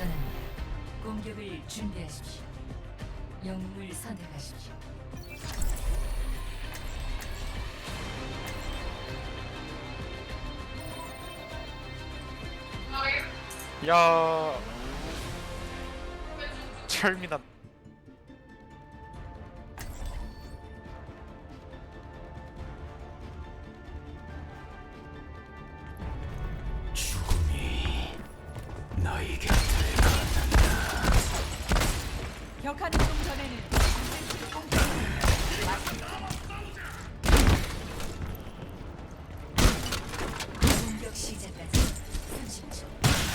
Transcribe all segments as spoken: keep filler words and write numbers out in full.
떠납니다. 공격을 준비하십시오. 영웅을 선택하십시오. 야 철민아 죽음이 너희 곁을 걷는다. 격한 이동 전에는 공격 시작까지 삼십 초.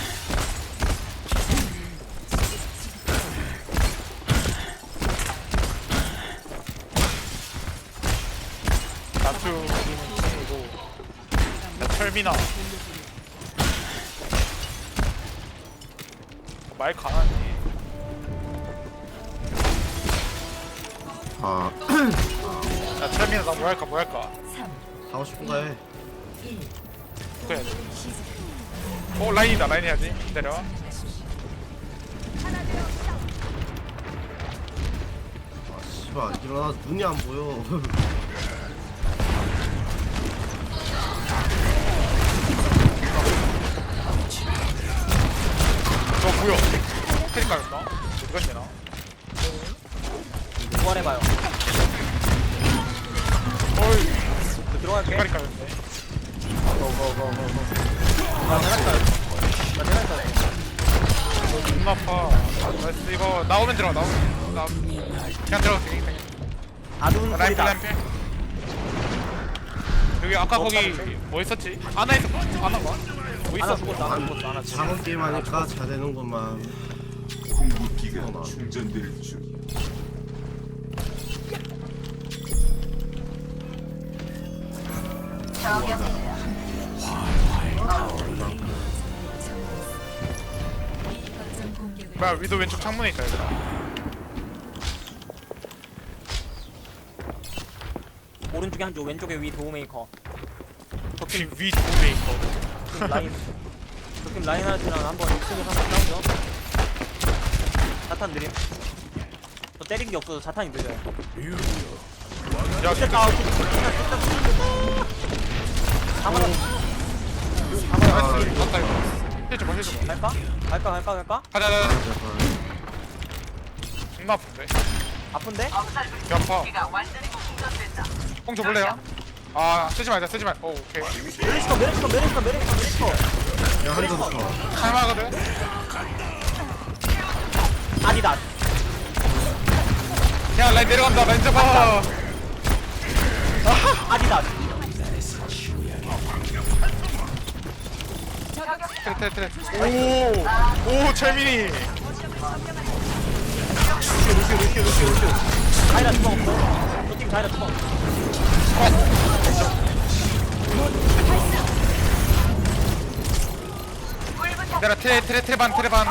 나투 친구고 야 철민아 말 강하니 아 야 철민아 나 뭐 할까 뭐 할까 삼, 하고 싶은 거 해. 일. 그거 해야지 시작. 어 라인이다 라인 해야지 기다려 선택하십시오. 아 씨발 일어나 눈이 안 보여. 저 뭐야 테리카였나? 어디가 되나? 부활해봐요. 어이 저 들어갈게. 테리카였네 고고고고고. 나 대가리까지. 나 대가리까지. 눈 아파 나이스 이거 나오면 들어가 나오면 나 그냥 들어갈게 그냥 아둔 라인 소리다. 라인 필 여기 아까 어, 거기 다른데? 뭐 있었지? 아나 있었 아나가? 뭐 하나 있었어? 죽었어. 하나 죽었어. 하나 죽었어. 작은 게임 하니까 잘 되는구만. 궁극기가 어, 나. 충전될 중. 이 거점 공격을 뭐야 위도 왼쪽 창문에 있다 얘들아 오른쪽에 한쪽, 왼쪽에 위 도우메이커. 위, 위 도메이커 적팀 라인. 적팀 라인하르트랑 한번 이 층에서 한번 싸우죠. 자탄 느림. 저 때린 게 없어서 자탄이 느려요. 야 됐다. 아, 방어라. 방어라. 나이스 맞다 이거 해줘봐 해줘봐 갈까? 갈까? 갈까? 갈까? 가자 가자 존나 아픈데 아픈데? 배 아파 뽕 줘볼래요? 아 쓰지 말자 쓰지 말오 오케이 메리스커, 메리스커, 메리스커, 메리스커, 메리스커. 야 한대 더 쳐. 할만하거든? 아니다. 야 라인 내려간다 라인 잡아 아니다. 트레 트레 트레 오오 철민이 루시오, 루시오, 루시오, 루시오, 루시오. 다이라 주먹 없어. 저팀 다이라 주먹. 얘들아 트레 트레 트레반 트레반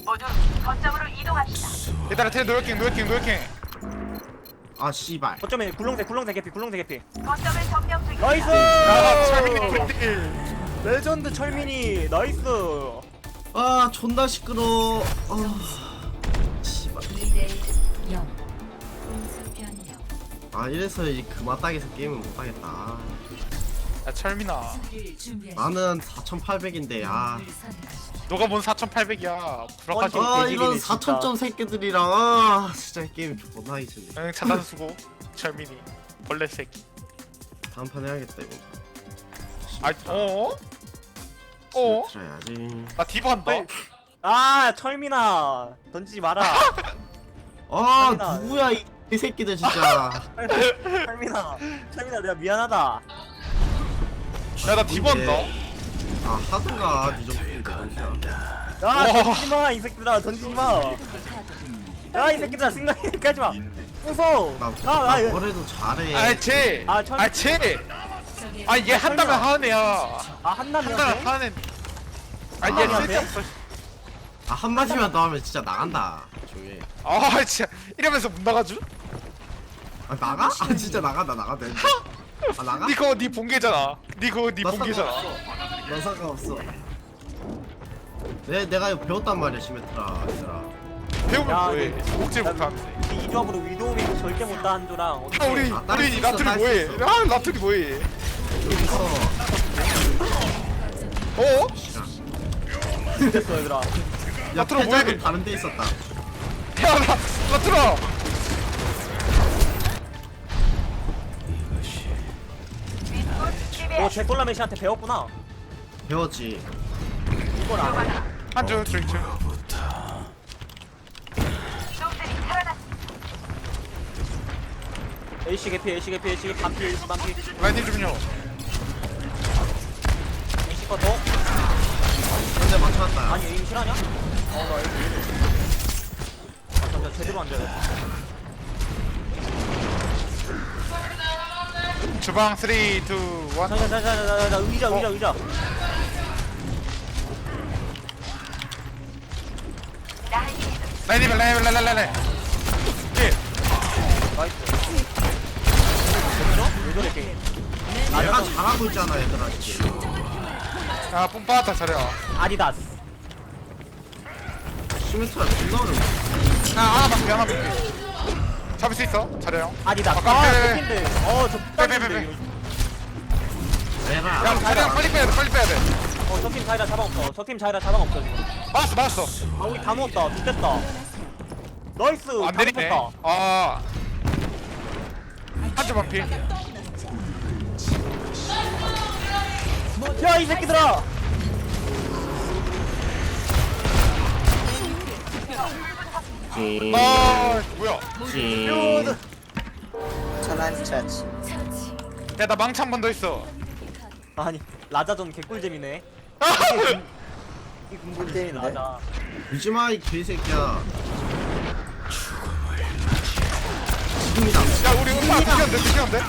얘들아 트레 노력킹 노력킹 노력킹 아 씨발. 거점에 굴렁쇠, 굴렁쇠 개피, 굴렁쇠 개피. 나이스! 야 철민이 꿀딜 레전드 철민이 나이스. 아 존나 시끄러. 아 씨발. 이 대 영. 공수 변경. 아 이래서 이 그마딱에서 게임을 못 하겠다. 야 철민아 수비를 준비하십시오. 나는 사천팔백인데 아. 영웅을 선택하십시오. 너가 뭔 사천팔백이야 불악하지 어, 아 개지기네, 이런 진짜. 사천 점 새끼들이랑 아 진짜 게임 존나 하기 싫네. 응 차단 수고 철민이 벌레 새끼 다음 판 해야겠다 이거. 아 어어? 어? 들어야지. 나 디바 한다 아 철민아 던지지 마라. 아 철민아. 누구야 이, 이 새끼들 진짜. 철민아, 철민아 내가 미안하다. 야 나 디바 한다 아 하든가 니 정도인데 진짜. 야 와. 던지지 마, 이 새끼들아 던지지 마. 야 이 새끼들아 생각이 하지 마. 웃어. 나, 아, 나 아, 예. 뭐래도 잘해. 아쟤 아, 철- 아쟤 적의 아 얘 한다면 철민아. 하는 애야 아 한남이야. 한다면 하는 아얘 한다면 돼? 쓸데없어 아 한마디만 더 하면 진짜 나간다. 조용히. 아 진짜 이러면서 못 나가죠? 아 나가? 아 진짜 나간다 나간다. 아 나가? 니 그거 니 본계잖아 니 그거 니 나 본계잖아 상관없어. 나 상관없어. 내, 내가 이거 배웠단 말이야 시메트라 얘들아. 배우면 야, 뭐해? 근데- 목질 나- 못하는데. 이 조합으로 위도우밍 절대 못하는 조랑 아 어떻게 우리 아, 딸수 우리 있어, 나툴이 딸수 뭐해? 있어. 아 나툴이 뭐해? 여기서 어? 됐어 얘들아. 야 나트로 패작은 뭐해? 다른 데 있었다. 야나 나툴아. 너제 꼴라메시한테 배웠구나. 배웠지. 이걸 알아. 한줄 줄줄. A씨 개피 A씨 개피 A씨 개피 반피 A씨 반피 라인님 좀요. A씨 거더 현재 맞춰놨다. 아니 에임 실하냐? 어나 에임 왜 이래. 아 잠깐 제대로 안 돼. 주방 삼, 이, 일. 자자자자자자 의자 의자 의자. 라인님 라인 라인 라인 라인. 예. 나이스. 됐어? 왜 저래 게임? 내가 잘하고 있잖아 얘들아 지금. 아 뿜빠졌다 차려. 아디다스. 시메트라 존나 어려워. 아 하나 밖에 하나 밖에. 잡을 수 있어? 잘해요. 아디다스. 아, 아 깜짝이야. 개핀데. 어저 빼, 빼, 빼, 빼. 내가 야 차량 빨리 빼야 돼 빨리 빼야 돼. 어저팀 자이라 자방 없어. 저 팀 자이라 자방 없어 지금. 맞았어 맞았어. 아 우리 다 누웠다. 죽겠다. 나이스. 안 다 내리네. 먹혔다. 아. 한줄 반피. 야 이 새끼들아. 지. 아 뭐야? 지. 처치. 야 나 망치 한 번 더 있어. 아니 라자전 개꿀잼이네. 이 군군잼이 라자. 울지마 이 개새끼야. 지금이다. 야 우리 음파 드시는데 드시는데?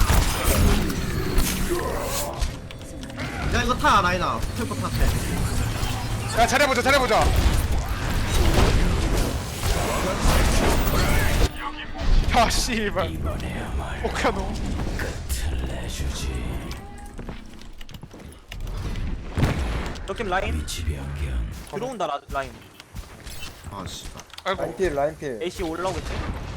야 이거 타 라이나. 템포 탔대. 야 잘해보자 잘해보자. 야 씨발. 오카노. 저팀 라인 들어온다 라, 라인. 아 씨발. 아이고 라인필 라인필 A씨 올라오겠지?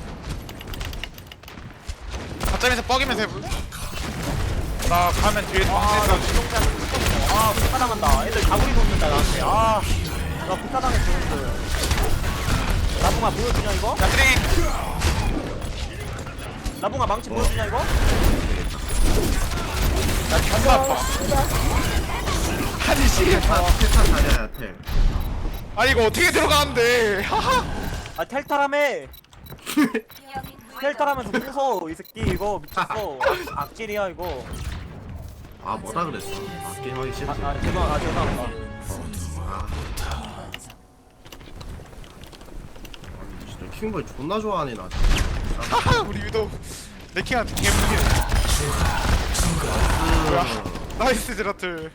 가점에서 뻐기면서 해볼. 나 가면 뒤에서 아, 나 망치 지동자 아, 불타당한다. 애들 다구리 돕는다, 나한테. 아, 나 불타당했어, 형들. 나붕아 보여주냐, 이거? 야 트릭. 나붕아 망치 보여주냐, 이거? 나 존나 아파. 아니 씨. 텔타 텔타 잘해야 텔. 아니 이거 어떻게 들어가는데? 하하. 아, 텔타라며! 텔타라면서 무서워, 이 새끼. 이거 미쳤어. 악, 악질이야, 이거. 아 뭐라 그랬어? 아 게임하기 아, 싫지. 아, 죄송, 아, 죄송합니다. 아. 아니, 진짜 킹볼 존나 좋아하네 나. 진짜. 하하 우리 유도 레킹한테 개무기네. 뭐야? 나이스 제라틀.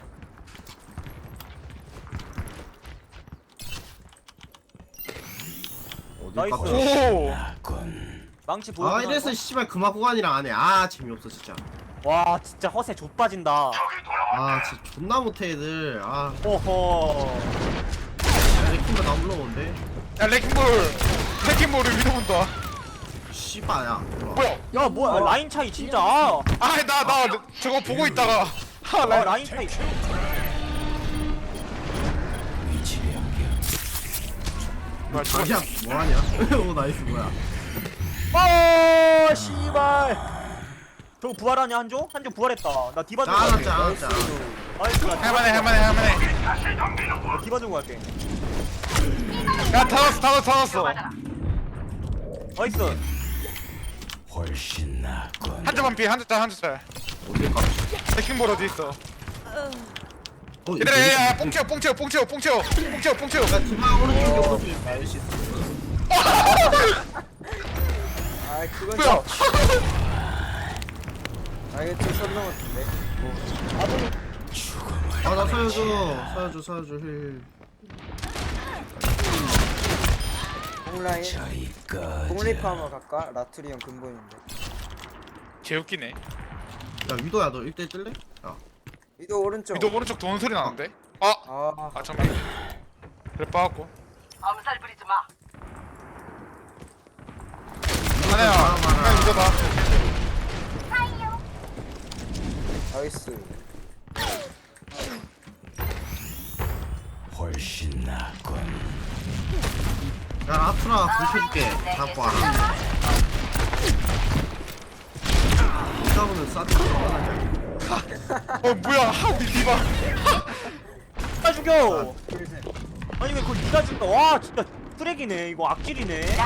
어디 나이스. 깎아? 오. 망치 아 보여주냐, 이래서 이거? 씨발 금화 구간이랑 안해. 아 재미없어 진짜. 와, 진짜 허세 좆빠진다. 아 진짜 존나 못해 애들. 아 호호. 레킹볼 나 물러오는데. 야 레킹볼. 레킹볼을 위도 본다. 씨발야. 뭐야? 야, 뭐야, 라인 차이 진짜. 아, 아 나 나 저거 보고 있다가. 하 아, 라인. 라인 차이. 뭐야, 저거- 자기야 뭐하냐? 오 나이스 뭐야? 아, 씨발. 저거 부활하냐, 한조? 한조 부활했다. 나 디바 주고 갈게. 짜나 짜나 짜. 나이스, 나 디바 할만해 주고 할만해 할만해. 갈게. 나 디바 주고 갈게. 야다 넣었어 다 넣었어 다 넣었어. 나이스. 훨씬 낫군. 한줄 반피 한줄 짤 한줄 짤. 어디 가? 레킹볼 어디 있어? 어 얘들아 야야 뽕 채워 뽕 채워 뽕 채워 뽕 채워 뽕 채워 뽕 채워. 야 디마 오른쪽에 오른쪽에. 아 그건 뭐야? 아 이거 좀선 넘었는데 아나 서여줘 서여줘 서여줘 힐. 공라인 저기까지. 공리프 한번 갈까? 라투리 형 근본인데 개웃기네. 야 위도야 너 일 대 일 뜰래? 야 위도 오른쪽 위도 오른쪽 도는 소리 나는데? 아, 아 아 잠깐만. 그래 빠졌고. 하나야, 그냥 이거다. 나이스. 훨씬 낫군. 야 라투라 불켜줄게. 갖고 와라. 이따보는 싸지 어 뭐야? 하 우리 디바. 누가 죽여 아니 왜 그걸 니가 죽여 와 진짜 쓰레기네 이거 악질이네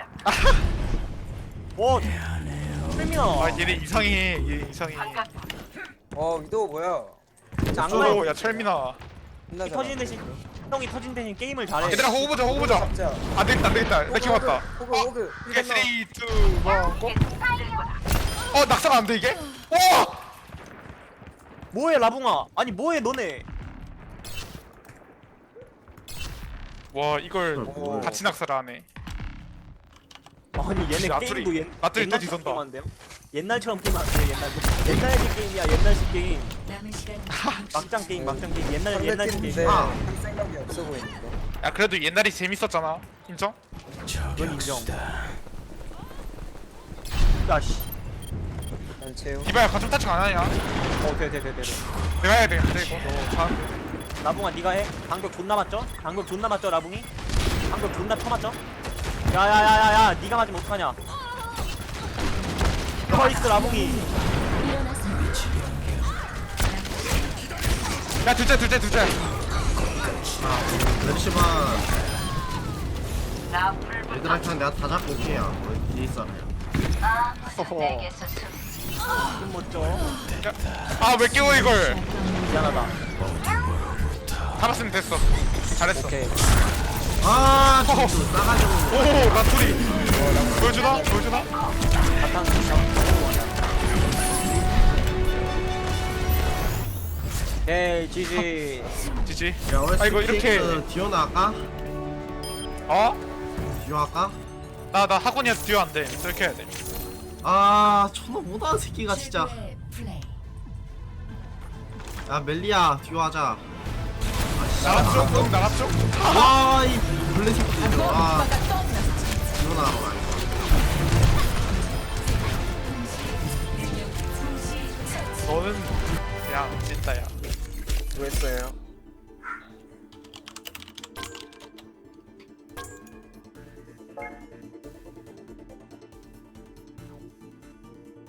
와 세미나 아 얘네 이상해. 얘 이상해. 어 위도우 뭐야? 장난 오, 야 철민아. 끝나잖아. 터진 대신 형이 터진 대신 게임을 잘해 얘들아 호구 보자, 호구 보자. 잡자. 안 되겠다, 안 되겠다. 나 기분 왔다. 호그 호그. 오케이, 삼, 이, 일, 고. 어 낙상 안 돼 이게? 와! 뭐해 라붕아 아니 뭐해 너네 와 이걸 오. 같이 낙사를 하네. 아니 얘네 라투리, 게임도 옛, 라투리 또 옛날처럼 뒤선다. 게임한대요? 옛날처럼 게임 안돼 옛날 옛날식 게임이야 옛날식 게임 남은 시간 막장 게임 막장 게임 옛날 옛날식 상대팀인데 게임 아. 할 생각이 없어 보이는데. 야 그래도 옛날이 재밌었잖아. 인정? 저격수다. 야씨 난 채우. 디바야 가슴 타칭 안 하냐? 어돼돼돼돼 내가 해야 되는데 이거 너 잘하는데. 라붕아 니가 해 방벽 존나 맞죠? 방벽 존나 맞죠 라붕이? 방벽 존나 쳐맞죠? 야야야야야 니가 맞으면 어떡하냐 나이스 라붕이 야 둘째 둘째 둘째. 맵시만 얘들한테 내가 다 잡고 올게요. 뭐 뒤에 있어요. 허허 좀 멋져 아왜 깨워 이걸? 미안하다 잡았으면 됐어. 잘했어. 오케이 아 진짜 싸가지고. 오 라투리. 보여주나? 보여주나? 바탕 오케이 지지 지지. 야 오늘 아, 이거 이렇게- 디오나 할까? 어? 디오 할까? 나 나 학원이야 듀오 안 돼. 이렇게 해야 돼. 아 존나 못하는 새끼가 진짜. 최고의 플레이. 야 멜리야 디오 하자. 나갔죠? 꼭 나갔죠? 와이 블랙 새끼들. 아 디오나 하러 가. 너는 그냥 찐따야. 수고했어요.